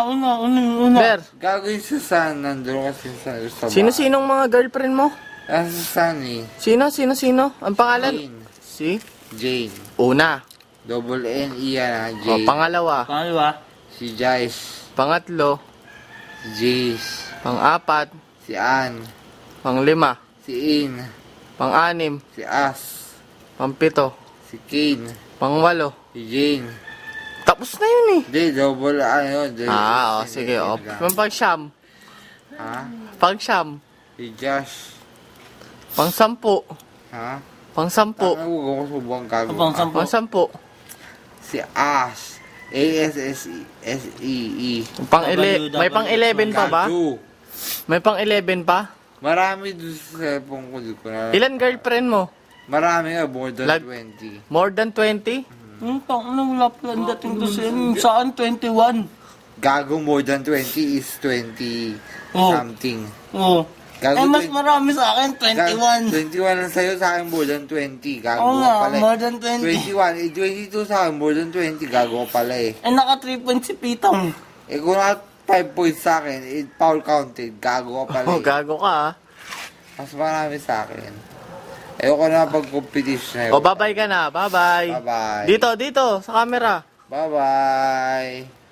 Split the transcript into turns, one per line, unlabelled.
Una.
Ber,
Gagawin sa San, nandun kasi sa baba.
sino-sinong mga girlfriend mo?
Sa San eh.
Sino? Ang pangalan?
Jane.
Si?
Jane.
Una.
Double N, Ian ha,
O,
Jane.
pangalawa.
Pangalawa.
Si Jice.
Pangatlo.
Si Jace.
Pang-apat.
Si Ann.
Pang-lima.
Si In.
Pang-anim.
Si As.
Pang-pito.
Si Kane.
Pang-walo.
Si Jane.
Tapos na yun eh.
Hindi, double ano.
Sige. O, pang-siyam.
Ha?
Pang-siyam.
Si Josh.
Pang-sampu.
Ha?
Pang-sampu.
Ang huwag ko subang gago.
Pang-sampu.
Pang-sampu.
Si Ash. A-S-S-E-S-E-E.
May pang-11 pa ba?
Gago.
May pang-11 pa?
Marami doon sa cellphone ko. Di ko na.
Ilan girlfriend mo?
Marami nga, more than
Lag-
20.
More than 20?
Wala pala dating to saan 21.
Gago, more than 20 is 20
Oh.
something.
Oo.
Gago,
Mas marami sa akin, 21.
21 lang sa'yo, sa akin more than 20. Gago
Oo
ka
nga,
pala eh.
more than 20.
21, 22 sa akin, more than 20. Gago ka pala eh.
Naka 3 points si Pitong.
Kung naka 5 points sa akin, foul counted. Gago ka pala
Oh,
eh.
gago ka ah.
Mas marami sa akin. Ayoko na pag-competition na yun.
O, bye-bye ka na. Bye-bye.
Bye-bye.
Dito, sa camera.
Bye-bye.